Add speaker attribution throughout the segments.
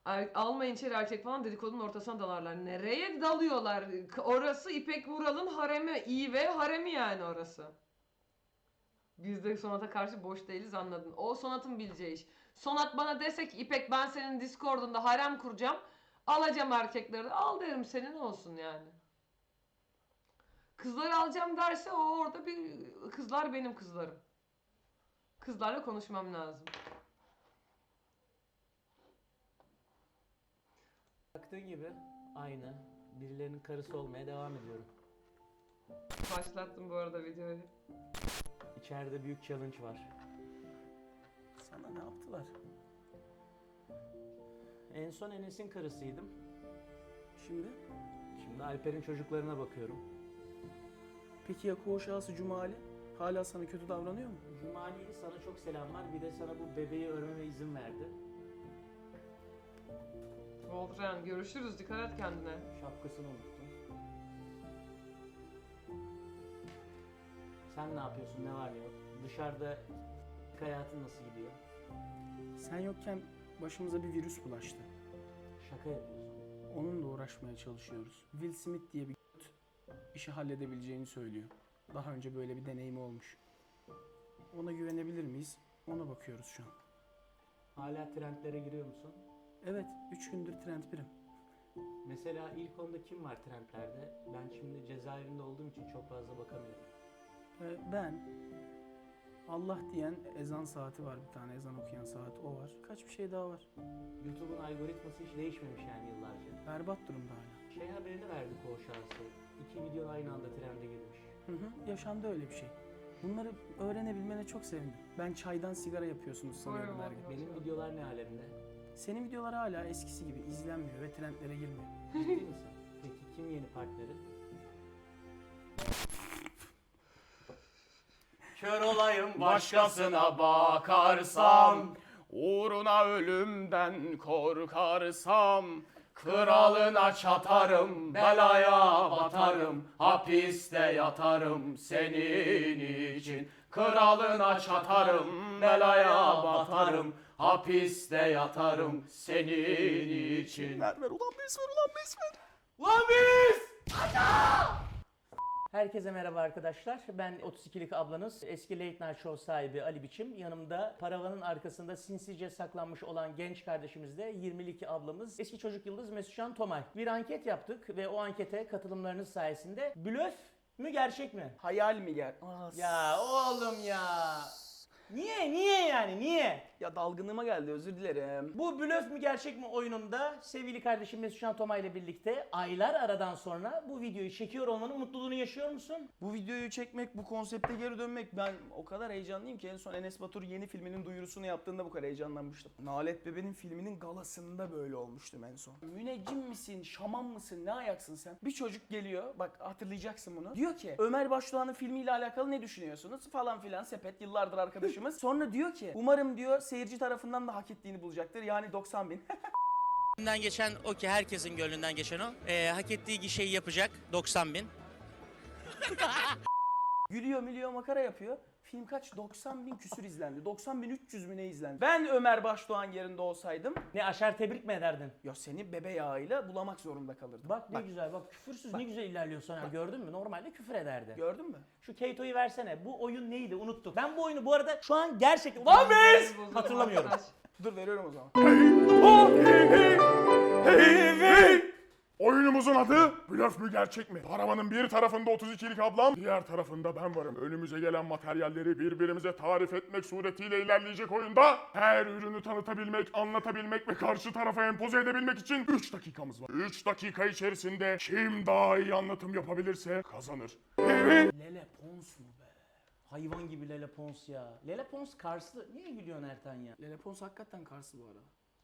Speaker 1: Almayın içeri erkek falan dedikodunun ortasına dalarlar. Nereye dalıyorlar? Orası İpek Vural'ın haremi. İyi ve haremi yani orası. Biz de Sonat'a karşı boş değiliz, anladın. O Sonat'ın bileceği iş. Sonat bana dese ki İpek ben senin Discord'unda harem kuracağım. Alacağım erkekleri. Al derim, senin olsun yani. Kızları alacağım derse o orada bir... Kızlar benim kızlarım. Kızlarla konuşmam lazım.
Speaker 2: Baktığın gibi aynı. Birilerinin karısı olmaya devam ediyorum.
Speaker 1: Başlattım bu arada videoyu.
Speaker 2: İçeride büyük challenge var.
Speaker 3: Sana ne yaptılar?
Speaker 2: En son Enes'in karısıydım.
Speaker 3: Şimdi?
Speaker 2: Şimdi Alper'in çocuklarına bakıyorum.
Speaker 3: Peki ya koğuşağısı Cumali? Hala sana kötü davranıyor mu?
Speaker 2: Cumali sana çok selamlar. Bir de sana bu bebeği örmeme izin verdi.
Speaker 1: Voltran görüşürüz, dikkat et kendine.
Speaker 2: Şapkasını unuttum. Sen ne yapıyorsun? Ne var ne yok? Dışarıda hayatın nasıl gidiyor?
Speaker 3: Sen yokken başımıza bir virüs bulaştı.
Speaker 2: Şaka yapıyorsun.
Speaker 3: Onunla uğraşmaya çalışıyoruz. Will Smith diye bir işi halledebileceğini söylüyor. Daha önce böyle bir deneyimi olmuş. Ona güvenebilir miyiz? Ona bakıyoruz şu an.
Speaker 2: Hala trendlere giriyor musun?
Speaker 3: Evet, 3 gündür trend birim.
Speaker 2: Mesela ilk onda kim var trendlerde? Ben şimdi cezaevinde olduğum için çok fazla bakamıyorum.
Speaker 3: Ben, Allah diyen ezan saati var, bir tane ezan okuyan saat, o var. Kaç bir şey daha var.
Speaker 2: YouTube'un algoritması hiç değişmemiş yani yıllarca.
Speaker 3: Berbat durumda hala.
Speaker 2: Şey haberini verdi koğuşağısı. 2 video aynı anda trende girmiş.
Speaker 3: Yaşandı öyle bir şey. Bunları öğrenebilmene çok sevindim. Ben çaydan sigara yapıyorsunuz sanıyorum her gün.
Speaker 2: Benim videolar ne alemde?
Speaker 3: Senin videolar hala eskisi gibi izlenmiyor ve trendlere girmiyor.
Speaker 2: Ciddi misin? Peki kim yeni partneri?
Speaker 4: Kör olayım başkasına bakarsam, uğruna ölümden korkarsam, kralına çatarım, belaya batarım, hapiste yatarım senin için. Kralına çatarım, belaya batarım, hapiste yatarım senin için.
Speaker 3: Ver ulan bez ver ulan bez ver.
Speaker 4: Lan biz!
Speaker 2: Herkese merhaba arkadaşlar. Ben 32'lik ablanız, eski Late Night Show sahibi Ali Biçim. Yanımda paravanın arkasında sinsice saklanmış olan genç kardeşimiz de 22 ablamız, eski çocuk yıldız Mesutcan Tomay. Bir anket yaptık ve o ankete katılımlarınız sayesinde blöf mü gerçek mi?
Speaker 3: Hayal mi gel?
Speaker 2: Ya oğlum ya. Niye yani niye?
Speaker 3: Ya dalgınlığıma geldi, özür dilerim.
Speaker 2: Bu blöf mü gerçek mi oyununda sevgili kardeşim Mesutcan Tomay ile birlikte aylar aradan sonra bu videoyu çekiyor olmanın mutluluğunu yaşıyor musun?
Speaker 3: Bu videoyu çekmek, bu konsepte geri dönmek, ben o kadar heyecanlıyım ki en son Enes Batur yeni filminin duyurusunu yaptığında bu kadar heyecanlanmıştım. Nalet Bebe'nin filminin galasında böyle olmuştum en son. Müneccim misin, şaman mısın, ne ayaksın sen? Bir çocuk geliyor, bak hatırlayacaksın bunu. Diyor ki Ömer Başdoğan'ın filmiyle alakalı ne düşünüyorsunuz? Falan filan, sepet yıllardır arkadaşımız. Sonra diyor ki umarım diyor seyirci tarafından da hak ettiğini bulacaktır. Yani 90 bin.
Speaker 5: Gönlünden geçen o ki herkesin gönlünden geçen o. Hak ettiği gişeyi yapacak 90 bin.
Speaker 3: Gülüyor milyon makara yapıyor. Film kaç? 90 bin küsür izlendi. 90 bin 300 mü ne izlendi? Ben Ömer Başdoğan yerinde olsaydım
Speaker 2: Ne aşar tebrik mi ederdin?
Speaker 3: ya seni bebe yağıyla bulamak zorunda kalırdım.
Speaker 2: Bak ne güzel bak küfürsüz ne güzel ilerliyorsun ha gördün mü? Normalde küfür ederdi.
Speaker 3: Gördün mü?
Speaker 2: Şu Keito'yu versene. Bu oyun neydi? Unuttuk. Ben bu oyunu bu arada şu an gerçekten... Lan biz! Hatırlamıyorum.
Speaker 3: Dur veriyorum o zaman.
Speaker 6: Oyunumuzun adı blöf mü gerçek mi? Paravanın bir tarafında 32'lik ablam, diğer tarafında ben varım. Önümüze gelen materyalleri birbirimize tarif etmek suretiyle ilerleyecek oyunda her ürünü tanıtabilmek, anlatabilmek ve karşı tarafa empoze edebilmek için 3 dakikamız var. 3 dakika içerisinde kim daha iyi anlatım yapabilirse kazanır.
Speaker 2: Lele Pons mu be? Hayvan gibi Lele Pons ya. Lele Pons Karslı. Niye gülüyorsun Ertan ya?
Speaker 3: Lele Pons hakikaten Karslı bu arada.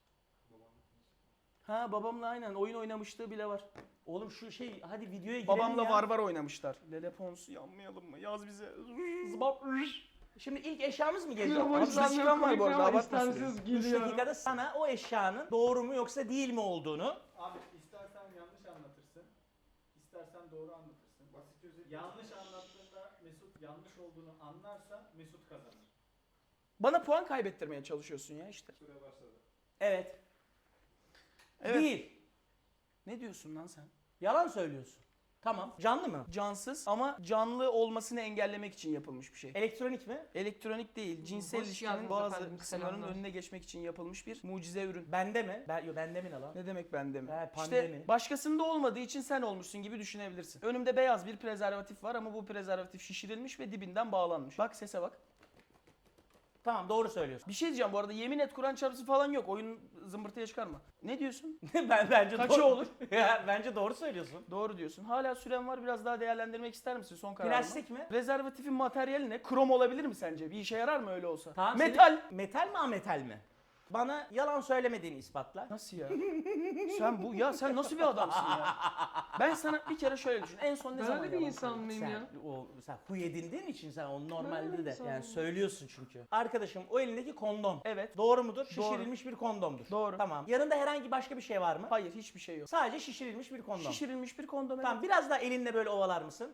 Speaker 3: Ha babamla aynen oyun oynamışlığı bile var.
Speaker 2: Oğlum şu şey hadi videoya girelim
Speaker 3: Babamla
Speaker 2: ya.
Speaker 3: var oynamışlar. Lele Pons'u yanmayalım mı? Yaz bize.
Speaker 2: Şimdi ilk eşyamız mı gelecek?
Speaker 1: Ama
Speaker 3: Abi, dakikam var bu arada, abartma
Speaker 1: istemsiz
Speaker 2: 3
Speaker 1: gülüyorum.
Speaker 2: dakikada sana o eşyanın doğru mu yoksa değil mi olduğunu...
Speaker 7: Abi istersen yanlış anlatırsın, istersen doğru anlatırsın. Basit özet. Yanlış anlattığında Mesut yanlış olduğunu anlarsa Mesut kazanır.
Speaker 3: Bana puan kaybettirmeye çalışıyorsun ya işte.
Speaker 7: Süre başladı.
Speaker 2: Evet.
Speaker 3: Evet.
Speaker 2: Değil.
Speaker 3: Ne diyorsun lan sen?
Speaker 2: Yalan söylüyorsun. Tamam. Canlı mı?
Speaker 3: Cansız ama canlı olmasını engellemek için yapılmış bir şey.
Speaker 2: Elektronik mi?
Speaker 3: Elektronik değil, cinsel
Speaker 1: Hoş
Speaker 3: ilişkinin
Speaker 1: geldiniz
Speaker 3: bazı
Speaker 1: efendim,
Speaker 3: kısımlarının
Speaker 1: selamlar.
Speaker 3: önüne geçmek için yapılmış bir mucize ürün.
Speaker 2: Bende mi? Bende mi ne lan?
Speaker 3: Ne demek bende mi?
Speaker 2: He, pandemi.
Speaker 3: İşte başkasında olmadığı için sen olmuşsun gibi düşünebilirsin. Önümde beyaz bir prezervatif var ama bu prezervatif şişirilmiş ve dibinden bağlanmış. Bak sese bak.
Speaker 2: Tamam, doğru söylüyorsun.
Speaker 3: Bir şey diyeceğim bu arada, yemin et Kur'an çarpısı falan yok. Oyun zımbırtıya çıkarma. Ne diyorsun?
Speaker 2: Bence
Speaker 3: Kaçı
Speaker 2: doğru.
Speaker 3: olur?
Speaker 2: Ya, bence doğru söylüyorsun.
Speaker 3: Doğru diyorsun. Hala süren var, biraz daha değerlendirmek ister misin son kararını?
Speaker 2: Plastik mi?
Speaker 3: Prezervatifin materyali ne? Krom olabilir mi sence? Bir işe yarar mı öyle olsa?
Speaker 2: Tamam,
Speaker 3: Metal.
Speaker 2: Metal mi ametal mi? Bana yalan söylemediğini ispatla.
Speaker 3: Nasıl ya? Sen nasıl bir adamsın ya? Ben sana bir kere şöyle düşün. En son ne zaman
Speaker 1: Böyle bir
Speaker 3: yalan
Speaker 1: insan
Speaker 3: söyledin?
Speaker 1: mıyım ya?
Speaker 2: Sen huy edindiğin için sen onu
Speaker 1: Böyle
Speaker 2: normalde
Speaker 1: bir
Speaker 2: de
Speaker 1: insan
Speaker 2: yani
Speaker 1: mıyım?
Speaker 2: söylüyorsun çünkü. Arkadaşım o elindeki kondom.
Speaker 3: Evet.
Speaker 2: Doğru mudur?
Speaker 3: Doğru.
Speaker 2: Şişirilmiş bir kondomdur.
Speaker 3: Doğru.
Speaker 2: Tamam. Yanında herhangi başka bir şey var mı?
Speaker 3: Hayır, hiçbir şey yok.
Speaker 2: Sadece şişirilmiş bir kondom.
Speaker 3: Şişirilmiş bir kondom.
Speaker 2: Tamam, biraz daha elinle böyle ovalar mısın?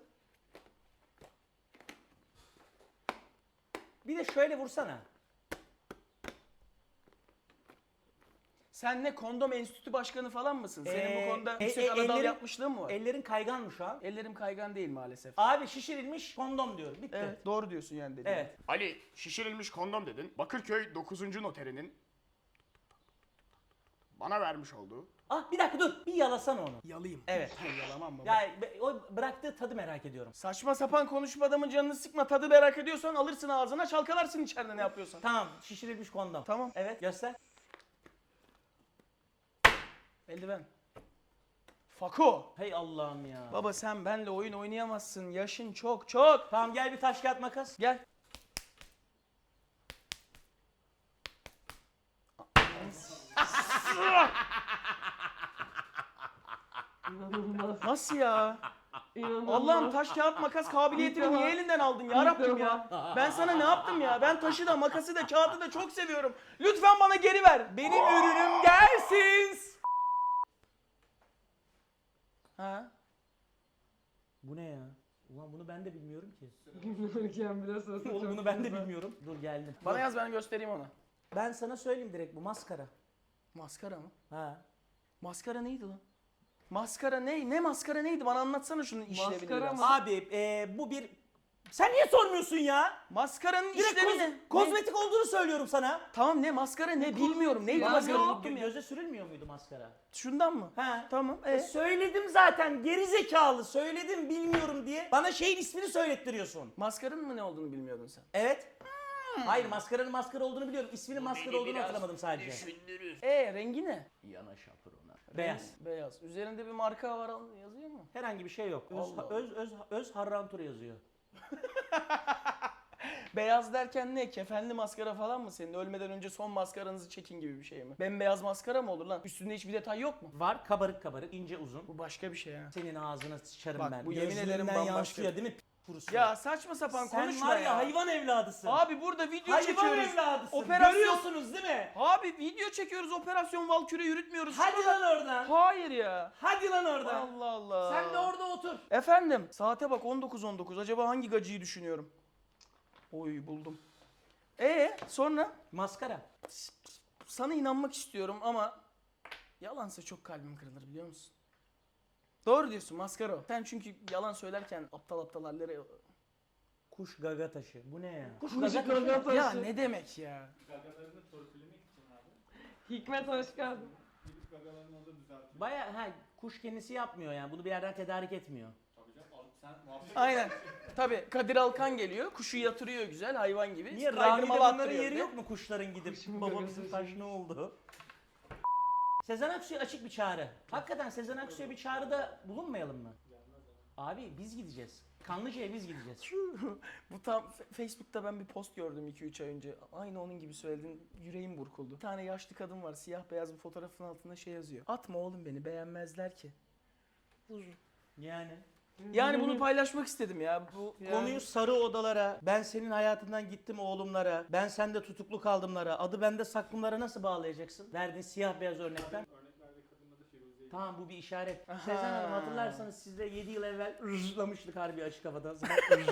Speaker 2: Bir de şöyle vursana.
Speaker 3: Sen ne kondom enstitü başkanı falan mısın? Senin bu konuda yüksek
Speaker 2: ellerin-
Speaker 3: anadal yapmışlığın mı var?
Speaker 2: Ellerin kaygan mı şu an?
Speaker 3: Ellerim kaygan değil maalesef.
Speaker 2: Abi şişirilmiş kondom diyorum. Bitti.
Speaker 3: Evet, doğru diyorsun yani dediğin.
Speaker 2: Evet.
Speaker 6: Ali, şişirilmiş kondom dedin. Bakırköy 9. noterinin bana vermiş olduğu.
Speaker 2: Ah, bir dakika dur. Bir yalasana onu.
Speaker 3: Yalayım.
Speaker 2: Evet.
Speaker 3: Yalamam baba.
Speaker 2: Ya o bıraktığı tadı merak ediyorum.
Speaker 3: Saçma sapan konuşup adamın canını sıkma. Tadı merak ediyorsan alırsın ağzına, çalkalarsın içeride ne yapıyorsan.
Speaker 2: Tamam, şişirilmiş kondom.
Speaker 3: Tamam.
Speaker 2: Evet, göster.
Speaker 3: Eldiven. Fako.
Speaker 2: Hey Allah'ım ya.
Speaker 3: Baba sen benle oyun oynayamazsın. Yaşın çok çok.
Speaker 2: Tamam, gel bir taş kağıt makas.
Speaker 3: Gel.
Speaker 1: İnanılmaz.
Speaker 3: Nasıl ya?
Speaker 1: İnanılmaz.
Speaker 3: Allah'ım taş kağıt makas kabiliyetini
Speaker 1: İlk
Speaker 3: niye
Speaker 1: defa.
Speaker 3: elinden aldın ya
Speaker 1: İlk
Speaker 3: Rabbim
Speaker 1: defa.
Speaker 3: ya? Ben sana ne yaptım ya? Ben taşı da makası da kağıdı da çok seviyorum. Lütfen bana geri ver. Benim ürünüm gelsin. Ha?
Speaker 2: Bu ne ya? Ulan bunu ben de bilmiyorum ki.
Speaker 1: Bilmiyorum biraz sırası
Speaker 2: Oğlum
Speaker 1: çok
Speaker 2: bunu ben de
Speaker 1: güzel.
Speaker 2: bilmiyorum. Dur geldim.
Speaker 3: Bana yaz, ben göstereyim ona.
Speaker 2: Ben sana söyleyeyim direkt, bu maskara.
Speaker 3: Maskara mı?
Speaker 2: Ha.
Speaker 3: Maskara neydi lan? Maskara ne? Ne maskara neydi? Bana anlatsana şunun işlevini
Speaker 1: Maskara
Speaker 3: biraz.
Speaker 1: mı?
Speaker 2: Abi bu bir... Sen niye sormuyorsun ya?
Speaker 3: Maskaranın
Speaker 2: Direkt
Speaker 3: işlevi ne? Ne?
Speaker 2: kozmetik olduğunu söylüyorum sana.
Speaker 3: Tamam, ne maskara ne bilmiyorum. Neydi
Speaker 1: Ben
Speaker 3: maskara?
Speaker 1: ne
Speaker 3: Unuttum
Speaker 1: yaptım
Speaker 3: ya.
Speaker 2: Göze sürülmüyor muydu maskara?
Speaker 3: Şundan mı?
Speaker 2: Ha.
Speaker 3: Tamam.
Speaker 2: Söyledim zaten, geri zekalı. Söyledim bilmiyorum diye. Bana şeyin ismini söylettiriyorsun.
Speaker 3: Maskarın mı ne olduğunu bilmiyordun sen.
Speaker 2: Evet. Hayır, maskaranın maskara olduğunu biliyorum. İsminin maskara olduğunu hatırlamadım sadece.
Speaker 3: Rengi ne?
Speaker 2: Yana şapırona. Beyaz.
Speaker 3: Beyaz. Üzerinde bir marka var yazıyor mu?
Speaker 2: Herhangi bir şey yok.
Speaker 3: Allah Allah.
Speaker 2: Öz Harrantura yazıyor.
Speaker 3: Beyaz derken ne? Kefenli maskara falan mı senin? Ölmeden önce son maskaranızı çekin gibi bir şey mi? Bembeyaz maskara mı olur lan? Üstünde hiçbir detay yok mu?
Speaker 2: Var, kabarık kabarık, ince uzun.
Speaker 3: Bu başka bir şey ha.
Speaker 2: Senin ağzına sıçarım
Speaker 3: Bak,
Speaker 2: ben.
Speaker 3: bu yemin ederim
Speaker 2: Gözlerinden
Speaker 3: bambaşka.
Speaker 2: yansıyor değil mi? Kurusu.
Speaker 3: Ya saçma sapan
Speaker 2: sen
Speaker 3: konuşma
Speaker 2: var
Speaker 3: ya.
Speaker 2: hayvan evladısın.
Speaker 3: Abi burada video
Speaker 2: hayvan
Speaker 3: çekiyoruz.
Speaker 2: evladısın.
Speaker 3: Operasyon-
Speaker 2: Görüyorsunuz değil mi?
Speaker 3: Abi video çekiyoruz. Operasyon Valkyrie yürütmüyoruz.
Speaker 2: Hadi
Speaker 3: Şuna
Speaker 2: lan
Speaker 3: bak.
Speaker 2: oradan.
Speaker 3: Hayır ya.
Speaker 2: Hadi lan oradan.
Speaker 3: Allah Allah.
Speaker 2: Sen de orada otur.
Speaker 3: Efendim, saate bak 19.19. Acaba hangi gacıyı düşünüyorum? Oy buldum. Sonra?
Speaker 2: Maskara.
Speaker 3: Sana inanmak istiyorum ama yalansa çok kalbim kırılır biliyor musun? Doğru diyorsun, maskara o. Sen çünkü yalan söylerken aptal aptal hallere...
Speaker 2: Kuş gaga taşı. Bu ne ya? Kuş
Speaker 1: Kuş
Speaker 2: gaga taşı.
Speaker 1: gaga taşı.
Speaker 3: Ya ne demek ya?
Speaker 7: Gagalarını torpillemek için abi.
Speaker 1: Hikmet hoş geldin.
Speaker 7: Gidip gagalarını orada düzeltiyor.
Speaker 2: Baya kuş kendisi yapmıyor yani. Bunu bir yerden tedarik etmiyor.
Speaker 7: Tabii canım abi sen muhabbet
Speaker 3: Aynen. Tabii Kadir Alkan geliyor, kuşu yatırıyor güzel hayvan gibi.
Speaker 2: Niye?
Speaker 3: Kaydırmalı
Speaker 2: Rami'de bunların
Speaker 3: attırıyor
Speaker 2: yeri
Speaker 3: bir de.
Speaker 2: yok mu kuşların gidip
Speaker 1: Kuşun
Speaker 2: babamızın
Speaker 1: gagası
Speaker 2: taş
Speaker 1: şimdi.
Speaker 2: ne oldu? Sezen Aksu'ya açık bir çağrı. Hakikaten Sezen Aksu'ya bir çağrıda bulunmayalım mı? Abi biz gideceğiz. Kanlıca'ya biz gideceğiz.
Speaker 3: Bu tam Facebook'ta ben bir post gördüm 2-3 ay önce. Aynı onun gibi söyledin. Yüreğim burkuldu. Bir tane yaşlı kadın var. Siyah beyaz bir fotoğrafın altında şey yazıyor. Atma oğlum beni, beğenmezler ki.
Speaker 2: Yani.
Speaker 3: Yani bunu paylaşmak istedim ya. Bu
Speaker 1: Yani.
Speaker 2: Konuyu sarı odalara, ben senin hayatından gittim oğlumlara, ben sende tutuklu kaldımlara, adı bende saklımlara nasıl bağlayacaksın? Verdiğin siyah beyaz örnekten.
Speaker 7: örneklerde kadınla da Firuze'yi.
Speaker 2: Tamam, bu bir işaret.
Speaker 3: Aha.
Speaker 2: Sezen Hanım hatırlarsanız sizde 7 yıl evvel ırlamıştık harbi açık havada.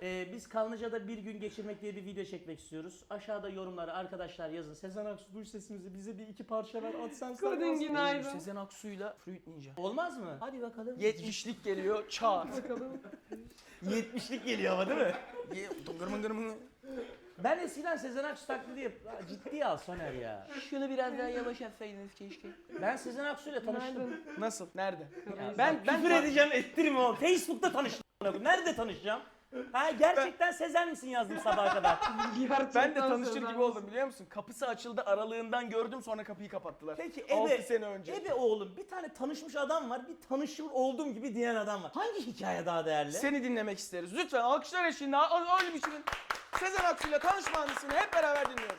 Speaker 2: Biz Kanlıca'da bir gün geçirmek diye bir video çekmek istiyoruz. Aşağıda yorumlara arkadaşlar yazın. Sezen Aksu duy sesimizi, bize bir iki parça ver atsan.
Speaker 1: Kadın günaydın.
Speaker 3: Sezen Aksu'yla Fruit Ninja.
Speaker 2: Olmaz mı? Hadi bakalım.
Speaker 3: 70'lik geliyor çağır.
Speaker 2: 70'lik geliyor ama değil mi?
Speaker 3: Tıngır mıngır mıngır.
Speaker 2: Ben eskiden Sezen Aksu taklidi ciddiye al Soner ya.
Speaker 3: Şunu biraz daha yavaş yapsaydınız keşke.
Speaker 2: Ben Sezen Aksu ile tanıştım.
Speaker 3: Nasıl? Nerede?
Speaker 2: Ya
Speaker 3: Ben
Speaker 2: küfür edeceğim ettirme oğlum. Facebook'ta tanıştım. Nerede tanışacağım? Ha gerçekten Sezen misin yazdım sabaha kadar.
Speaker 3: Ben de tanışır gibi oldum biliyor musun? Kapısı açıldı aralığından gördüm sonra kapıyı kapattılar.
Speaker 2: Peki
Speaker 3: 6 sene önce.
Speaker 2: Ebe oğlum bir tane tanışmış adam var, bir tanışır olduğum gibi diyen adam var. Hangi hikaye daha değerli?
Speaker 3: Seni dinlemek isteriz. Lütfen alkışlar eşliğinde öyle biçimin Sezen Aksu'yla tanışma anısını hep beraber dinliyoruz.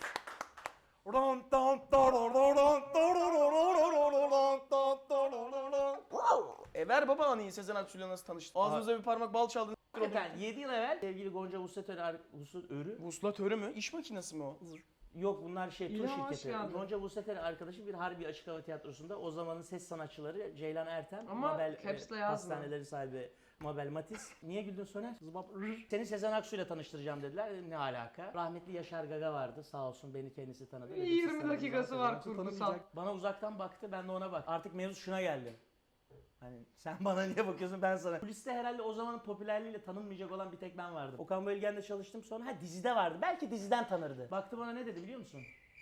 Speaker 3: Ver baba anıyı Sezen Aksu'yla nasıl tanıştın? Ağzımıza bir parmak bal çaldın.
Speaker 2: Hakikaten 7 yıl evvel sevgili Gonca Vuslatörü
Speaker 3: Vuslatörü mü? İş makinesi mi o?
Speaker 2: yok bunlar tur
Speaker 1: İlham hoş
Speaker 2: şirketi.
Speaker 1: geldin.
Speaker 2: Gonca Vuslatörü arkadaşı bir Harbi Açık Hava Tiyatrosu'nda o zamanın ses sanatçıları Ceylan Ertem,
Speaker 1: Ama
Speaker 2: Mabel
Speaker 1: caps'le yazma.
Speaker 2: hastaneleri sahibi Mabel Matiz. Niye güldün Soner? Seni Sezen Aksu'yla tanıştıracağım dediler. Ne alaka? Rahmetli Yaşar Gaga vardı. Sağ olsun beni kendisi tanıdı. Dedi,
Speaker 1: 20
Speaker 2: siz tanıdınız,
Speaker 1: dakikası
Speaker 2: Sezen
Speaker 1: var
Speaker 2: Aksu
Speaker 1: kurgusal.
Speaker 2: tanımayacak. Bana uzaktan baktı, ben de ona bak. Artık mevzu şuna geldi. Hani sen bana niye bakıyorsun ben sana. Kuliste herhalde o zamanın popülerliğiyle tanınmayacak olan bir tek ben vardım. Okan Bölgen'de çalıştım sonra dizide vardı. Belki diziden tanırdı. Baktı bana ne dedi biliyor musun?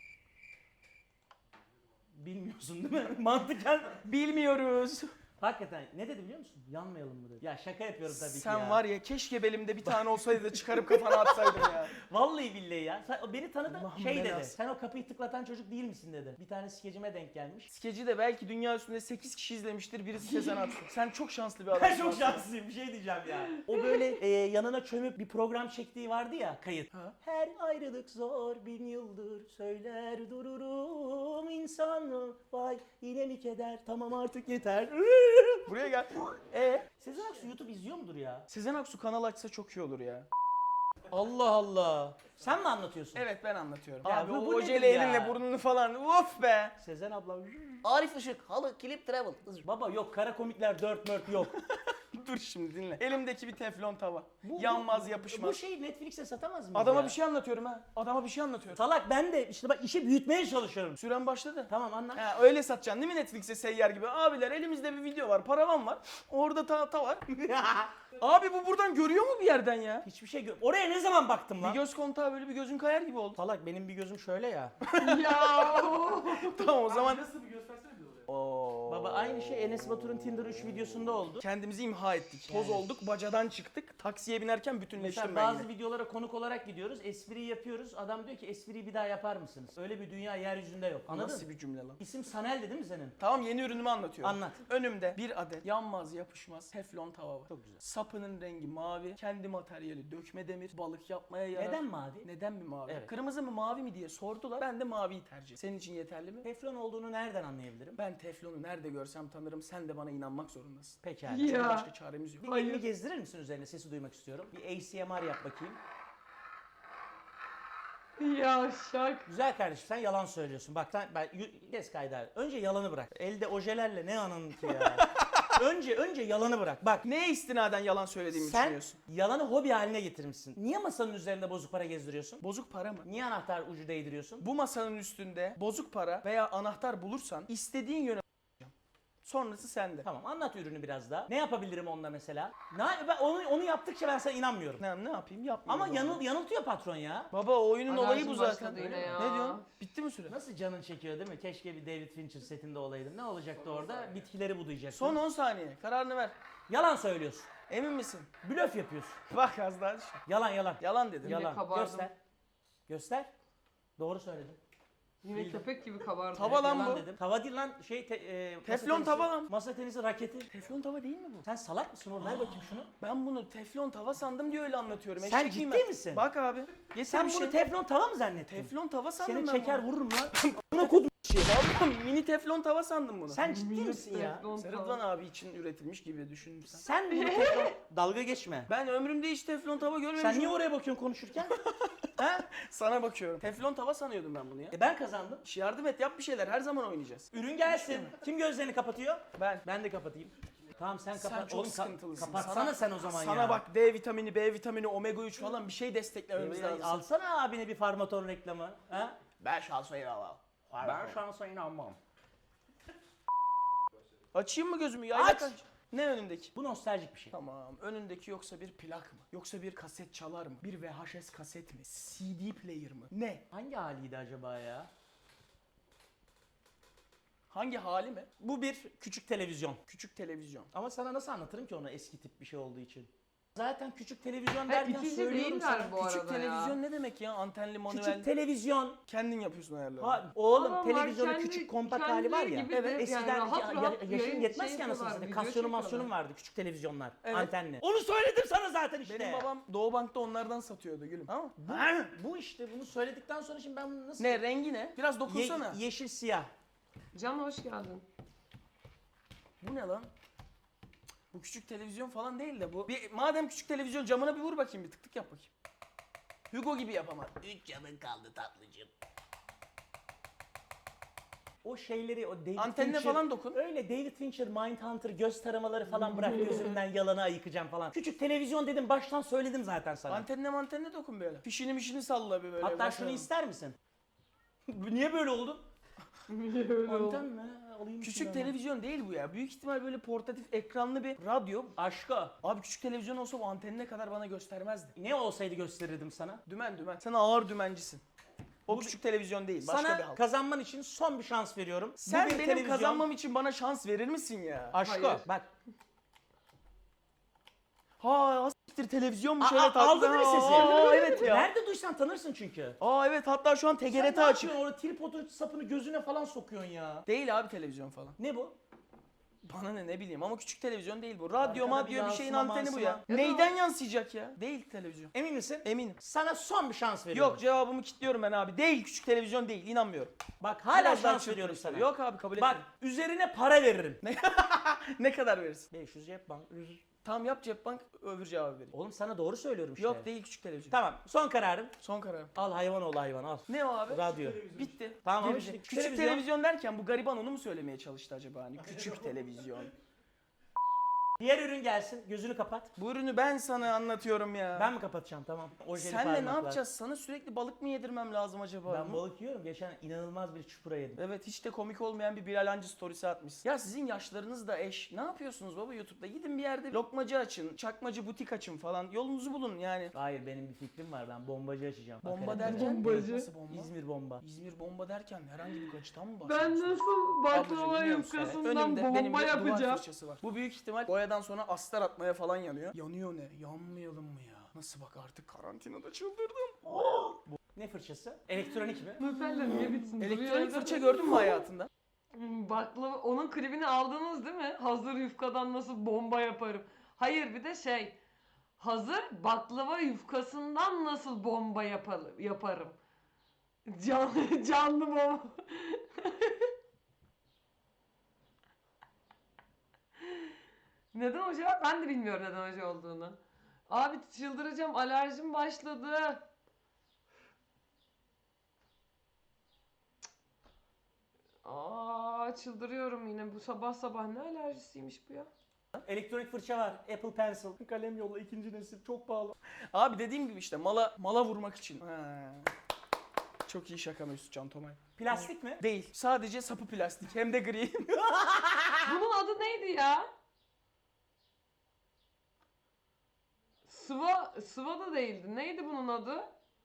Speaker 2: Bilmiyorsun değil mi? Mantıken.
Speaker 3: Bilmiyoruz.
Speaker 2: Hakikaten ne dedi biliyor musun? Yanmayalım mı dedi. Ya şaka yapıyorum tabii ki
Speaker 3: Sen
Speaker 2: ya.
Speaker 3: var ya keşke belimde bir tane olsaydı da çıkarıp kafana atsaydım ya.
Speaker 2: Vallahi billahi ya. Sen, o beni tanıdı
Speaker 3: Allah'ım
Speaker 2: şey dedi.
Speaker 3: belası.
Speaker 2: Sen o kapıyı tıklatan çocuk değil misin dedi. Bir tane skecime denk gelmiş.
Speaker 3: Skeci de belki dünya üstünde 8 kişi izlemiştir. Birisi Sezen Aksu. Sen çok şanslı bir
Speaker 2: Ben
Speaker 3: adamsın.
Speaker 2: çok
Speaker 3: aslında.
Speaker 2: şanslıyım bir şey diyeceğim ya. O böyle yanına çömüp bir program çektiği vardı ya kayıt.
Speaker 3: Ha.
Speaker 2: Her ayrılık zor 1000 yıldır söyler dururum insanı. Vay yine mi keder tamam artık yeter.
Speaker 3: Buraya gel.
Speaker 2: Sezen Aksu YouTube izliyor mudur ya?
Speaker 3: Sezen Aksu kanal açsa çok iyi olur ya.
Speaker 2: Allah Allah. Sen mi anlatıyorsun?
Speaker 3: Evet ben anlatıyorum.
Speaker 2: Ya
Speaker 3: Abi
Speaker 2: bu
Speaker 3: o
Speaker 2: nedir
Speaker 3: ojeli
Speaker 2: ya?
Speaker 3: elinle burnunu falan of be.
Speaker 2: Sezen abla.
Speaker 8: Arif Işık, halı, klip, travel.
Speaker 2: Baba yok kara komikler 4 yok.
Speaker 3: Dur şimdi dinle. Elimdeki bir teflon tava. Yanmaz yapışmaz.
Speaker 2: Bu şeyi Netflix'e satamaz mıyız
Speaker 3: Adama
Speaker 2: ya?
Speaker 3: bir şey anlatıyorum ha. Adama bir şey anlatıyorum.
Speaker 2: Salak ben de işte bak işi büyütmeye çalışıyorum.
Speaker 3: Süren başladı.
Speaker 2: Tamam anlat.
Speaker 3: Ha, öyle satacaksın değil mi Netflix'e seyyar gibi? Abiler elimizde bir video var, paravan var. Orada ta var. Abi bu buradan görüyor mu bir yerden ya?
Speaker 2: Hiçbir şey oraya ne zaman baktım
Speaker 3: Bir
Speaker 2: lan?
Speaker 3: göz kontağı böyle bir gözün kayar gibi oldu.
Speaker 2: Salak benim bir gözüm şöyle ya.
Speaker 1: Ya.
Speaker 3: Tamam o zaman
Speaker 7: Nasıl bir göstersene bir oraya.
Speaker 2: Baba aynı şey Enes Batur'un Tinder 3 videosunda oldu.
Speaker 3: kendimizi imha ettik. Toz olduk, bacadan çıktık. Taksiye binerken bütünleştim
Speaker 2: Mesela
Speaker 3: ben
Speaker 2: bazı
Speaker 3: yine.
Speaker 2: videolara konuk olarak gidiyoruz. Espriyi yapıyoruz. Adam diyor ki espriyi bir daha yapar mısınız? Öyle bir dünya yeryüzünde yok. Anladın
Speaker 3: Nasıl
Speaker 2: mı?
Speaker 3: bir cümle lan?
Speaker 2: İsim Sanel'di değil mi senin?
Speaker 3: Tamam yeni ürünümü anlatıyorum.
Speaker 2: Anlat.
Speaker 3: Önümde bir adet yanmaz yapışmaz teflon tava var.
Speaker 2: Çok güzel.
Speaker 3: Sapının rengi mavi. Kendi materyali dökme demir. Balık yapmaya yarar.
Speaker 2: Neden mavi?
Speaker 3: Neden mi mavi?
Speaker 2: Evet.
Speaker 3: Kırmızı mı mavi mi diye sordular. Ben de maviyi tercih ettim. Senin için yeterli mi?
Speaker 2: Teflon olduğunu nereden anlayabilirim?
Speaker 3: Ben teflonu nerede görsem tanırım. Sen de bana inanmak zorundasın.
Speaker 2: Pekala.
Speaker 1: Ya.
Speaker 3: Çünkü başka çaremiz yok.
Speaker 2: Bir elini gezdirir misin üzerine? Sesi duymak istiyorum. Bir ASMR yap bakayım.
Speaker 1: Ya şak.
Speaker 2: Güzel kardeşim sen yalan söylüyorsun. Bak ben gez kaydı. Önce yalanı bırak. Elde ojelerle ne anın ki ya. önce yalanı bırak. Bak
Speaker 3: Neye istinaden yalan söylediğimi
Speaker 2: sen
Speaker 3: düşünüyorsun?
Speaker 2: yalanı hobi haline getirmişsin. Niye masanın üzerinde bozuk para gezdiriyorsun?
Speaker 3: Bozuk para mı?
Speaker 2: Niye anahtar ucu değdiriyorsun?
Speaker 3: Bu masanın üstünde bozuk para veya anahtar bulursan istediğin yöne sonrası sende.
Speaker 2: Tamam anlat ürünü biraz daha. Ne yapabilirim onunla mesela? Ben onu yaptıkça ben sana inanmıyorum.
Speaker 3: Ne yapayım yapmayayım.
Speaker 2: Ama
Speaker 3: o zaman.
Speaker 2: yanıltıyor patron ya.
Speaker 3: Baba o oyunun olayı
Speaker 1: Alerjim
Speaker 3: bu zaten.
Speaker 1: başladı yine ya.
Speaker 3: Ne diyorsun? Bitti mi süre?
Speaker 2: Nasıl canın çekiyor değil mi? Keşke bir David Fincher setinde olaydın. Ne olacaktı orada? Bitkileri budayacaktın.
Speaker 3: Son 10 saniye. Kararını ver.
Speaker 2: Yalan söylüyorsun.
Speaker 3: Emin misin?
Speaker 2: Blöf yapıyorsun.
Speaker 3: Bak az daha düşün.
Speaker 2: Yalan.
Speaker 3: Yalan dedim.
Speaker 2: Yalan.
Speaker 1: kabardım.
Speaker 2: Göster. Doğru söyledin.
Speaker 1: Yine köpek gibi kabardı.
Speaker 3: Tava lan
Speaker 2: Yalan
Speaker 3: bu.
Speaker 2: dedim. Tava değil lan
Speaker 3: Teflon tava lan.
Speaker 2: Masa tenisi raketi.
Speaker 3: Teflon tava değil mi bu?
Speaker 2: Sen salak mısın oğlum? Ver bakayım şunu.
Speaker 3: Ben bunu teflon tava sandım diye öyle anlatıyorum.
Speaker 2: Sen
Speaker 3: Eşek miyim
Speaker 2: ciddi
Speaker 3: ben?
Speaker 2: misin?
Speaker 3: Bak abi. Getir
Speaker 2: Sen
Speaker 3: bir
Speaker 2: bunu
Speaker 3: şey.
Speaker 2: teflon tava mı zannettin?
Speaker 3: Teflon tava sandım
Speaker 2: Seni
Speaker 3: ben
Speaker 2: çeker
Speaker 3: bunu.
Speaker 2: vururum lan. Buna kodum.
Speaker 3: Vallahi mini teflon tava sandım bunu.
Speaker 2: Sen ciddi misin ya?
Speaker 3: Rıdvan abi için üretilmiş gibi düşünürsen.
Speaker 2: Sen bunu teflon... Dalga geçme.
Speaker 3: Ben ömrümde hiç teflon tava görmemişim.
Speaker 2: Sen niye oraya bakıyorsun konuşurken? ha?
Speaker 3: Sana bakıyorum. Teflon tava sanıyordum ben bunu ya.
Speaker 2: Ben kazandım.
Speaker 3: Yardım et yap bir şeyler her zaman oynayacağız.
Speaker 2: Ürün gelsin. Kim gözlerini kapatıyor?
Speaker 3: Ben.
Speaker 2: Ben de kapatayım. Tamam sen
Speaker 3: Sen
Speaker 2: kapat.
Speaker 3: çok
Speaker 2: Oğlum
Speaker 3: sıkıntılısın.
Speaker 2: kapatsana sen o zaman ya.
Speaker 3: Sana bak D vitamini, B vitamini, omega 3 falan bir şey desteklememiz lazım.
Speaker 2: Alsana abine bir Farmaton reklamı. Ha?
Speaker 3: Ben şansa inanmam.
Speaker 2: Ben şansa inanmam.
Speaker 3: Açayım mı gözümü? Ya
Speaker 2: Aç!
Speaker 3: Ne önündeki?
Speaker 2: Bu nostaljik bir şey.
Speaker 3: Tamam. Önündeki yoksa bir plak mı? Yoksa bir kaset çalar mı? Bir VHS kaset mi? CD player mı? Ne?
Speaker 2: Hangi haliydi acaba ya?
Speaker 3: Hangi hali mi?
Speaker 2: Bu bir küçük televizyon.
Speaker 3: Küçük televizyon.
Speaker 2: Ama sana nasıl anlatırım ki onu eski tip bir şey olduğu için? Zaten küçük televizyon
Speaker 1: Ha,
Speaker 2: derken
Speaker 1: itici
Speaker 2: söylüyorum
Speaker 1: değiller
Speaker 2: sana.
Speaker 1: bu arada
Speaker 3: Küçük televizyon
Speaker 1: ya.
Speaker 3: ne demek ya? Antenli manuel.
Speaker 2: Küçük televizyon.
Speaker 3: Kendin yapıyorsun ayarları.
Speaker 2: Ha, oğlum
Speaker 1: Adamlar
Speaker 2: televizyonun
Speaker 1: kendi-
Speaker 2: küçük kompakt hali var ya.
Speaker 1: kendileri gibi
Speaker 2: Evet
Speaker 1: de yani
Speaker 2: eskiden
Speaker 1: rahat rahat
Speaker 2: yaşın
Speaker 1: yayın
Speaker 2: yetmez
Speaker 1: şey
Speaker 2: ki anasını
Speaker 1: yapıyorlar,
Speaker 2: satayım.
Speaker 1: video
Speaker 2: Kasyonum
Speaker 1: çekiyorlar.
Speaker 2: masyonum vardı küçük televizyonlar.
Speaker 3: Evet.
Speaker 2: Antenli. Onu söyledim sana zaten işte.
Speaker 3: Benim babam Doğu Bank'ta onlardan satıyordu gülüm. Tamam mı?
Speaker 2: Bu işte bunu söyledikten sonra şimdi ben bunu nasıl...
Speaker 3: Ne rengi ne? Biraz dokunsana.
Speaker 2: yeşil siyah.
Speaker 1: Can hoş geldin.
Speaker 3: Bu ne lan? Bu küçük televizyon falan değil de bu. Madem küçük televizyon camına bir vur bakayım bir tık tık yap bakayım. Hugo gibi yapamaz.
Speaker 8: 3 canın kaldı tatlıcığım.
Speaker 2: O şeyleri o David
Speaker 3: Antenine
Speaker 2: Fincher-
Speaker 3: falan dokun.
Speaker 2: Öyle David Fincher, Mindhunter göz taramaları falan bırak gözümden yalanı ayıkacağım falan. Küçük televizyon dedim baştan söyledim zaten sana.
Speaker 3: Antenine dokun böyle. Fişini mişini salla bir böyle.
Speaker 2: Hatta
Speaker 3: Bakalım.
Speaker 2: şunu ister misin? Niye böyle oldu? Anten mi? Alayım
Speaker 3: Küçük
Speaker 2: şunu hemen.
Speaker 3: televizyon değil bu ya. Büyük ihtimal böyle portatif ekranlı bir radyo.
Speaker 2: Aşka.
Speaker 3: Abi küçük televizyon olsa bu antenine kadar bana göstermezdi.
Speaker 2: Ne olsaydı gösterirdim sana.
Speaker 3: Dümen. Sen ağır dümencisin. O küçük televizyon değil. Başka bir
Speaker 2: Sana
Speaker 3: halk.
Speaker 2: kazanman için son bir şans veriyorum.
Speaker 3: Sen
Speaker 2: Bu bir
Speaker 3: benim
Speaker 2: televizyon.
Speaker 3: kazanmam için bana şans verir misin ya?
Speaker 2: Aşka.
Speaker 1: Hayır.
Speaker 2: Bak.
Speaker 3: Ha siktir televizyonmuş
Speaker 2: Aa,
Speaker 3: evet. hatta-
Speaker 2: aldın mı sesi?
Speaker 3: Aa, evet ya.
Speaker 2: Nerede duysan tanırsın çünkü.
Speaker 3: Aa evet hatta şu an
Speaker 2: Sen
Speaker 3: TGRT
Speaker 2: ne
Speaker 3: açık.
Speaker 2: yapıyorsun orada tripodun sapını gözüne falan sokuyorsun ya.
Speaker 3: Değil abi televizyon falan.
Speaker 2: Ne bu?
Speaker 3: Bana ne bileyim ama küçük televizyon değil bu. Radyo
Speaker 2: Arkada
Speaker 3: madyo
Speaker 2: bir
Speaker 3: bir şeyin
Speaker 2: yansıma,
Speaker 3: anteni bu ya.
Speaker 2: mansıma.
Speaker 3: Neyden yansıyacak ya? Değil televizyon.
Speaker 2: Emin misin?
Speaker 3: Eminim.
Speaker 2: Sana son bir şans veriyorum.
Speaker 3: Yok cevabımı kilitliyorum ben abi. Değil küçük televizyon değil inanmıyorum.
Speaker 2: Bak hala
Speaker 3: Biraz daha
Speaker 2: şans
Speaker 3: çırpın
Speaker 2: veriyorum
Speaker 3: işte.
Speaker 2: sana.
Speaker 3: Yok abi kabul
Speaker 2: Bak
Speaker 3: etmiyorum.
Speaker 2: üzerine para veririm.
Speaker 3: Ne kadar verirsin?
Speaker 2: 500 cep bank.
Speaker 3: Tamam yap cep bank öbür cevabı vereyim.
Speaker 2: Oğlum sana doğru söylüyorum işte.
Speaker 3: Yok değil küçük televizyon.
Speaker 2: Tamam son kararım.
Speaker 3: Son kararım.
Speaker 2: Al hayvan ol hayvan al.
Speaker 3: Ne o abi?
Speaker 2: Radyo.
Speaker 3: Bitti.
Speaker 2: Tamam ama
Speaker 3: Gelecek.
Speaker 2: işte
Speaker 3: Küçük televizyon derken bu gariban onu mu söylemeye çalıştı acaba hani? Küçük televizyon.
Speaker 2: Diğer ürün gelsin. Gözünü kapat.
Speaker 3: Bu ürünü ben sana anlatıyorum ya.
Speaker 2: Ben mi kapatacağım tamam. Ojeli
Speaker 3: Senle ne
Speaker 2: parmaklar.
Speaker 3: yapacağız? Sana sürekli balık mı yedirmem lazım acaba?
Speaker 2: Ben balık yiyorum. Geçen inanılmaz bir çupra yedim.
Speaker 3: Evet hiç de komik olmayan bir Bilal Hancı storiesi atmışsın. Ya sizin yaşlarınız da eş. Ne yapıyorsunuz baba YouTube'da? Gidin bir yerde lokmacı açın, çakmacı butik açın falan. Yolunuzu bulun yani.
Speaker 2: Hayır benim bir fikrim var. Ben bombacı açacağım.
Speaker 3: Bomba
Speaker 2: Bak,
Speaker 3: derken
Speaker 1: Bombacı.
Speaker 3: nasıl bomba?
Speaker 2: İzmir bomba.
Speaker 3: İzmir bomba derken herhangi bir gacıdan mı
Speaker 1: Ben
Speaker 3: bahsediyorsun?
Speaker 1: nasıl baklava
Speaker 3: Ablacığım, biliyor musun?
Speaker 1: yufkasından
Speaker 3: Önümde benim
Speaker 1: bomba
Speaker 3: bir duvar
Speaker 1: yapacağım?
Speaker 3: fırçası var. Bu büyük ihtimal boyadan sonra astar atmaya falan yanıyor. Yanıyor ne? Yanmayalım mı ya? Nasıl bak artık karantinada çıldırdım.
Speaker 2: Ne fırçası? Elektronik mi?
Speaker 1: Nuteller niye bitsin?
Speaker 3: Elektronik
Speaker 1: Duruyor
Speaker 3: fırça
Speaker 1: evde.
Speaker 3: gördün mü hayatında?
Speaker 1: Baklava, onun klibini aldınız değil mi? Hazır yufkadan nasıl bomba yaparım. Hayır bir de şey. Hazır baklava yufkasından nasıl bomba yaparım. Canlı bomba. Neden hoca? Ben de bilmiyorum neden hoca olduğunu. Abi çıldıracağım, alerjim başladı. Aa çıldırıyorum yine. Bu sabah sabah ne alerjisiymiş bu ya?
Speaker 2: Elektronik fırça var. Apple Pencil. Kalem yolla ikinci nesil. Çok pahalı.
Speaker 3: Abi dediğim gibi işte mala vurmak için. Ha. Çok iyi şaka Mesut Can Tomay.
Speaker 2: Plastik mi?
Speaker 3: Değil. Sadece sapı plastik. Hem de gri.
Speaker 1: Bunun adı neydi ya? Sıva da değildi. Neydi bunun adı?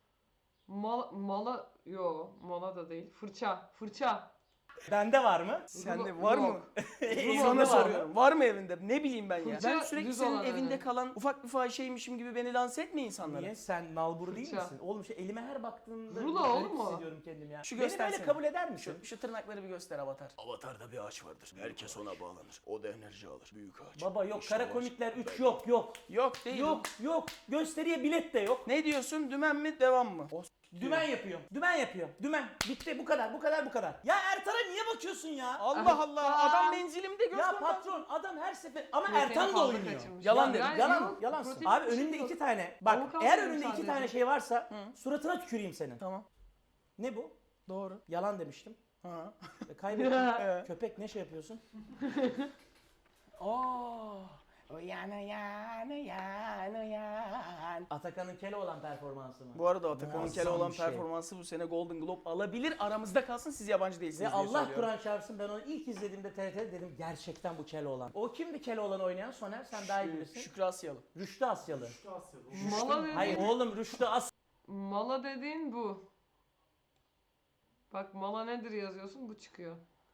Speaker 1: Mala da değil. Fırça.
Speaker 2: Bende var mı?
Speaker 3: Sende var mı?
Speaker 1: Yok.
Speaker 2: Evinde
Speaker 3: Sana
Speaker 2: var
Speaker 3: soruyorum. Var mı evinde? Ne bileyim ben ya.
Speaker 1: Fırça
Speaker 3: Ben sürekli
Speaker 1: düz
Speaker 3: senin
Speaker 1: olan
Speaker 3: evinde
Speaker 1: öyle.
Speaker 3: kalan ufak bir fahişeymişim gibi beni lanse etme insanlara.
Speaker 2: Niye? Sen nalbur değil
Speaker 1: Fırça.
Speaker 2: misin? Oğlum şu elime her baktığımda
Speaker 1: Rulo
Speaker 2: garip
Speaker 1: oğlum o.
Speaker 2: hissediyorum kendimi ya.
Speaker 3: Şu
Speaker 2: Beni
Speaker 3: göstersene.
Speaker 2: böyle kabul eder misin?
Speaker 3: Şu tırnakları bir göster Avatar.
Speaker 6: Avatar'da bir ağaç vardır. Herkes ona bağlanır. O da enerji alır. Büyük ağaç.
Speaker 2: Baba yok
Speaker 6: İşte
Speaker 2: kara
Speaker 6: o ağaç.
Speaker 2: komikler 3 yok.
Speaker 3: Yok değil.
Speaker 2: Yok. Gösteriye bilet de yok.
Speaker 3: Ne diyorsun? Dümen mi? Devam mı?
Speaker 2: Dümen yapıyorum. Dümen. Bitti bu kadar. Ya Ertan'a niye bakıyorsun ya?
Speaker 3: Allah Allah. Adam menzilimde göz
Speaker 2: Ya
Speaker 3: koydu.
Speaker 2: patron adam her sefer ama
Speaker 1: Protein
Speaker 2: Ertan da
Speaker 1: fazla
Speaker 2: oynuyor.
Speaker 1: kaçırmış.
Speaker 3: Yalan
Speaker 1: Ya,
Speaker 3: dedim.
Speaker 1: yani
Speaker 2: Yalan.
Speaker 1: yok, protein
Speaker 2: Abi
Speaker 1: taşımıyor.
Speaker 2: önünde 2 tane. Bak
Speaker 1: Avokado
Speaker 2: eğer
Speaker 1: yedim
Speaker 2: önünde 2
Speaker 1: sadece.
Speaker 2: tane şey varsa suratına tüküreyim senin.
Speaker 3: Tamam.
Speaker 2: Ne bu?
Speaker 3: Doğru.
Speaker 2: Yalan demiştim.
Speaker 3: Ha.
Speaker 2: Kaybettim. Köpek ne şey yapıyorsun? Uyan uyan uyan uyan. Atakan'ın Keloğlan performansı mı?
Speaker 3: Bu arada Atakan'ın
Speaker 2: Muazzam
Speaker 3: Keloğlan
Speaker 2: bir şey.
Speaker 3: performansı bu sene Golden Globe alabilir. Aramızda kalsın, siz yabancı değilsiniz
Speaker 2: Ve
Speaker 3: diye
Speaker 2: Allah
Speaker 3: söylüyorum.
Speaker 2: Kur'an çarpsın, ben onu ilk izlediğimde TRT'de dedim gerçekten bu Keloğlan. O kimdi Keloğlan oynayan? Soner sen daha iyi bilirsin.
Speaker 3: Şükrü Asyalı.
Speaker 2: Rüştü Asyalı.
Speaker 1: Mala dediğin,
Speaker 2: Hayır oğlum Rüştü
Speaker 1: mala dediğin bu. Bak mala nedir yazıyorsun, bu çıkıyor.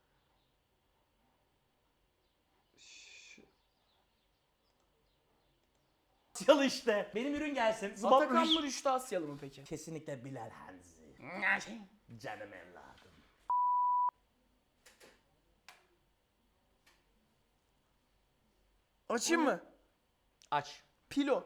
Speaker 2: Asyalı işte. Benim ürün gelsin.
Speaker 3: Atakan mı Rüştü Asyalı mı peki?
Speaker 2: Kesinlikle Bilal Hanzi. Canım evladım.
Speaker 3: Açayım mı?
Speaker 2: Aç.
Speaker 3: Pilo.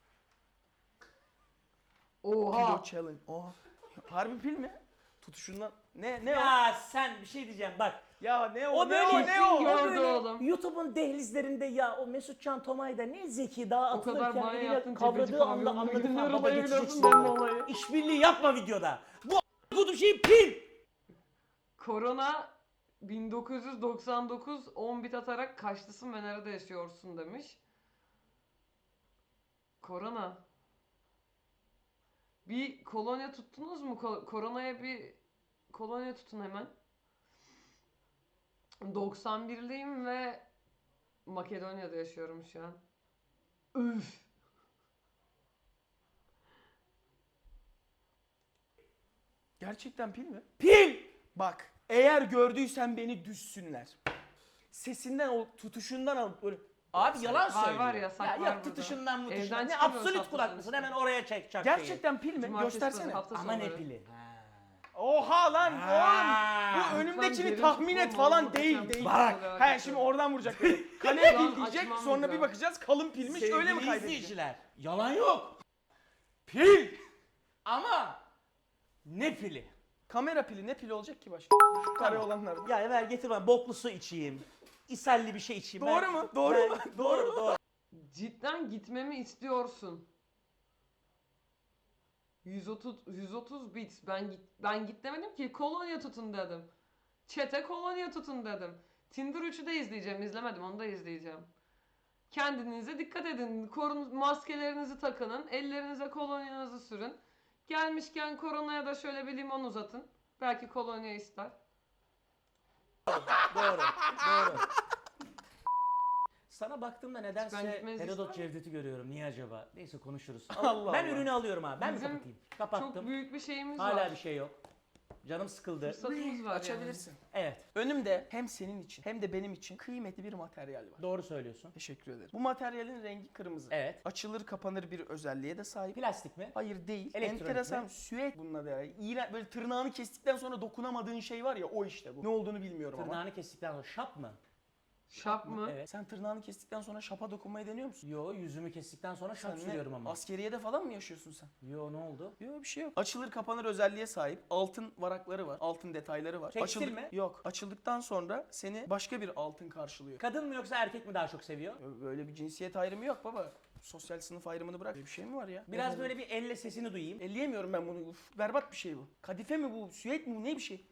Speaker 1: Oha.
Speaker 3: Pilo challenge. Oha. Harbi pil mi? Tutuşundan. Ne o?
Speaker 2: Ya sen bir şey diyeceğim bak.
Speaker 3: Ya ne o?
Speaker 2: O böyle
Speaker 3: ne o?
Speaker 1: gördü oğlum.
Speaker 2: YouTube'un dehlizlerinde ya o Mesutcan Tomay da ne zeki daha
Speaker 1: O kadar
Speaker 2: atılırken
Speaker 1: bana
Speaker 2: eliyle
Speaker 1: yaptın,
Speaker 2: kavradığı
Speaker 1: Cebeci
Speaker 2: anda
Speaker 1: pavyonuna
Speaker 2: anladık ha
Speaker 1: gidiyorum,
Speaker 2: baba
Speaker 1: evladım
Speaker 2: geçeceksin.
Speaker 1: benim olayı.
Speaker 2: İşbirliği yapma videoda. Bu şey pil.
Speaker 1: Korona 1999 10 bit atarak kaçlısın ve nerede yaşıyorsun demiş. Korona. Bir kolonya tuttunuz mu? Koronaya bir kolonya tutun hemen. 91'liyim ve Makedonya'da yaşıyorum şu an. Üf.
Speaker 3: Gerçekten pil mi?
Speaker 2: Pil.
Speaker 3: Bak, eğer gördüysen beni düşsünler. Sesinden, o tutuşundan alıp böyle...
Speaker 2: Abi yalan
Speaker 1: Var,
Speaker 2: söylüyor.
Speaker 1: var, yasak var
Speaker 2: Yok
Speaker 1: burada.
Speaker 2: tutuşundan mı
Speaker 1: Evden
Speaker 2: tutuşundan. Ne
Speaker 1: çıkamıyoruz
Speaker 2: absolut
Speaker 1: hafta
Speaker 2: kulak
Speaker 1: sonu
Speaker 2: mısın?
Speaker 1: işte.
Speaker 2: Hemen oraya çek çak
Speaker 3: Gerçekten pil mi?
Speaker 1: Cumartesi
Speaker 3: Göstersene.
Speaker 1: pazar, hafta
Speaker 2: Ama ne
Speaker 1: sonları.
Speaker 2: pili?
Speaker 3: Oha lan oğlum.
Speaker 2: Ha.
Speaker 3: Bu önümdekini
Speaker 1: Lütfen
Speaker 3: tahmin
Speaker 1: derin
Speaker 3: et falan
Speaker 1: tutma,
Speaker 3: değil
Speaker 1: muhteşem
Speaker 3: değil.
Speaker 1: bir
Speaker 3: Bak.
Speaker 1: şey
Speaker 3: He şimdi oradan vuracak. Kale
Speaker 1: Şu an
Speaker 3: pil diyecek,
Speaker 1: açmam
Speaker 3: sonra bir
Speaker 1: lazım.
Speaker 3: bakacağız kalın pilmiş, öyle mi
Speaker 2: Sevgili
Speaker 3: kaydedecek?
Speaker 2: izleyiciler, yalan yok. Pil. Ama ne pili?
Speaker 3: Kamera pili, ne pili olacak ki başka? Şu kare olanlardan.
Speaker 2: Ya ver getir bana boklu su içeyim. İsalli bir şey içeyim.
Speaker 3: Doğru mu? Doğru mu? Doğru mu?
Speaker 2: Doğru.
Speaker 1: Cidden gitmemi istiyorsun. 130 bit. Ben git demedim ki, kolonya tutun dedim. Çete kolonya tutun dedim. Tinder 3'ü de izleyeceğim. İzlemedim, onu da izleyeceğim. Kendinize dikkat edin. Maskelerinizi takının. Ellerinize kolonyanızı sürün. Gelmişken koronaya da şöyle bir limon uzatın. Belki kolonya ister.
Speaker 2: Doğru. Doğru. Sana baktığımda
Speaker 1: Ben
Speaker 2: nedense
Speaker 1: gitmenizi
Speaker 2: Herodot
Speaker 1: ister
Speaker 2: Cevdet'i görüyorum. Niye acaba? Neyse konuşuruz.
Speaker 3: Allah
Speaker 2: Ben
Speaker 3: Allah.
Speaker 2: ürünü alıyorum abi. Ben mi
Speaker 1: Bizim
Speaker 2: kapatayım?
Speaker 1: Çok
Speaker 2: Kapattım.
Speaker 1: büyük bir şeyimiz
Speaker 2: Hala
Speaker 1: var.
Speaker 2: bir şey yok. Canım sıkıldı.
Speaker 1: Fırsatımız var
Speaker 3: Açabilirsin.
Speaker 2: Evet.
Speaker 3: Önümde hem senin için hem de benim için kıymetli bir materyal var.
Speaker 2: Doğru söylüyorsun.
Speaker 3: Teşekkür ederim. Bu materyalin rengi kırmızı.
Speaker 2: Evet.
Speaker 3: Açılır kapanır bir özelliğe de sahip.
Speaker 2: Plastik mi?
Speaker 3: Hayır değil.
Speaker 2: Elektronik
Speaker 3: Enteresan
Speaker 2: mi?
Speaker 3: süet bunun adı. Yani. İğrenç, böyle tırnağını kestikten sonra dokunamadığın şey var ya, o işte bu. Ne olduğunu bilmiyorum ama.
Speaker 2: Tırnağını kestikten sonra şap mı?
Speaker 1: Şap mı?
Speaker 2: Evet.
Speaker 3: Sen tırnağını kestikten sonra şapa dokunmayı deniyor musun?
Speaker 2: Yo yüzümü kestikten sonra şap
Speaker 3: Sen ne?
Speaker 2: sürüyorum ama.
Speaker 3: Askeriyede falan mı yaşıyorsun sen?
Speaker 2: Yo ne oldu?
Speaker 3: Yok bir şey yok. Açılır kapanır özelliğe sahip. Altın varakları var. Altın detayları var.
Speaker 2: Tekstil mi?
Speaker 3: Yok. Açıldıktan sonra seni başka bir altın karşılıyor.
Speaker 2: Kadın mı yoksa erkek mi daha çok seviyor?
Speaker 3: Böyle bir cinsiyet ayrımı yok baba. Sosyal sınıf ayrımını bırak. Böyle bir şey mi var ya?
Speaker 2: Biraz böyle bir elle sesini duyayım.
Speaker 3: Elleyemiyorum ben bunu. Uf, berbat bir şey bu. Kadife mi bu? Süet mi bu? Ne bir şey?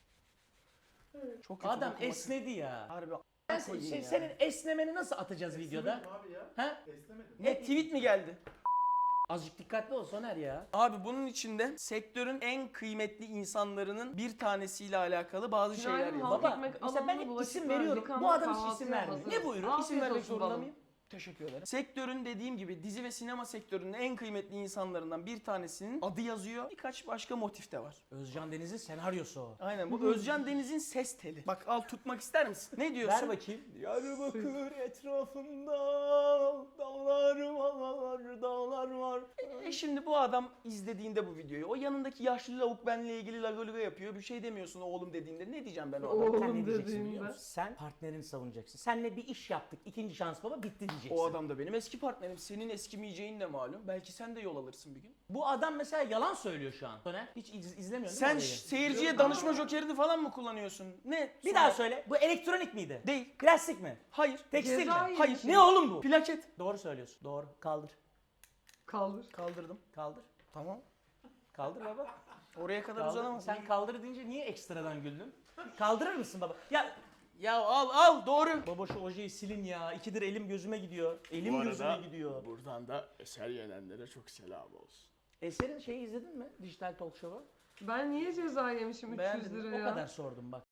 Speaker 3: Çok kötü
Speaker 2: Adam
Speaker 3: dokunması.
Speaker 2: esnedi ya.
Speaker 3: Harbi
Speaker 2: Ben
Speaker 3: koyayım ya.
Speaker 2: senin esnemeni nasıl atacağız videoda?
Speaker 7: Abi ya.
Speaker 2: Ha?
Speaker 7: Esnemedim.
Speaker 3: Ne tweet mi geldi?
Speaker 2: Azıcık dikkatli ol Soner ya.
Speaker 3: Abi bunun içinde sektörün en kıymetli insanlarının bir tanesiyle alakalı bazı şeyler
Speaker 1: Günaydın,
Speaker 3: yazıyor.
Speaker 1: halk
Speaker 2: Baba
Speaker 1: ekmek
Speaker 2: mesela ben
Speaker 1: alanına
Speaker 2: hep
Speaker 1: bulaşık
Speaker 2: isim
Speaker 1: var,
Speaker 2: veriyorum.
Speaker 1: yıkanma,
Speaker 2: Bu adam hiç
Speaker 1: kahvaltıya
Speaker 2: isim vermiyor.
Speaker 1: hazır.
Speaker 2: Ne buyurun?
Speaker 1: Afiyet
Speaker 3: İsim vermek
Speaker 1: olsun
Speaker 3: zorunda
Speaker 1: balım.
Speaker 3: mıyım? Teşekkür ederim. Sektörün dediğim gibi dizi ve sinema sektörünün en kıymetli insanlarından bir tanesinin adı yazıyor. Birkaç başka motif de var.
Speaker 2: Özcan Deniz'in senaryosu o.
Speaker 3: Aynen bu Özcan Deniz'in ses teli. Bak al tutmak ister misin? Ne diyorsun?
Speaker 2: Ver bakayım.
Speaker 3: Diyarbakır etrafında dağlar var, dağlar var. Şimdi bu adam izlediğinde bu videoyu, o yanındaki yaşlı lavuk benle ilgili lagoluga yapıyor. Bir şey demiyorsun oğlum dediğinde. Ne diyeceğim ben o adama?
Speaker 1: Oğlum
Speaker 2: Sen ne diyeceksin biliyor
Speaker 1: dediğinde.
Speaker 2: musun? Sen partnerini savunacaksın. Senle bir iş yaptık. İkinci şans baba bitti diyeceksin.
Speaker 3: O adam da benim eski partnerim. Senin eskimeyeceğin de malum. Belki sen de yol alırsın bir gün.
Speaker 2: Bu adam mesela yalan söylüyor şu an. Soner hiç izlemiyorsun
Speaker 3: Sen
Speaker 2: değil mi orayı?
Speaker 3: seyirciye danışma jokerini falan mı kullanıyorsun? Ne?
Speaker 2: Bir
Speaker 3: Sonra-
Speaker 2: daha söyle. Bu elektronik miydi?
Speaker 3: Değil.
Speaker 2: Plastik mi?
Speaker 3: Hayır.
Speaker 2: Tekstil mi?
Speaker 1: Cezayir
Speaker 3: Hayır.
Speaker 1: şey.
Speaker 2: Ne oğlum bu?
Speaker 3: Plaket.
Speaker 2: Doğru söylüyorsun. Doğru. Kaldır.
Speaker 1: Kaldır.
Speaker 3: Kaldırdım.
Speaker 2: Kaldır.
Speaker 3: Tamam.
Speaker 2: Kaldır baba.
Speaker 3: Oraya kadar
Speaker 2: Kaldır.
Speaker 3: uzanamaz.
Speaker 2: Sen kaldır deyince niye ekstradan güldün? Kaldırır mısın baba? Ya
Speaker 3: Ya al doğru.
Speaker 2: Baba şu ojeyi silin ya. 2'dir elim gözüme gidiyor. Elim
Speaker 4: Bu arada
Speaker 2: gözüme gidiyor.
Speaker 4: buradan da eser yenenlere çok selam olsun.
Speaker 2: Eser'in şeyi izledin mi? Dijital Talk Show'u.
Speaker 1: Ben niye ceza yemişim 300
Speaker 2: Beğendin mi?
Speaker 1: liraya?
Speaker 2: O kadar sordum bak.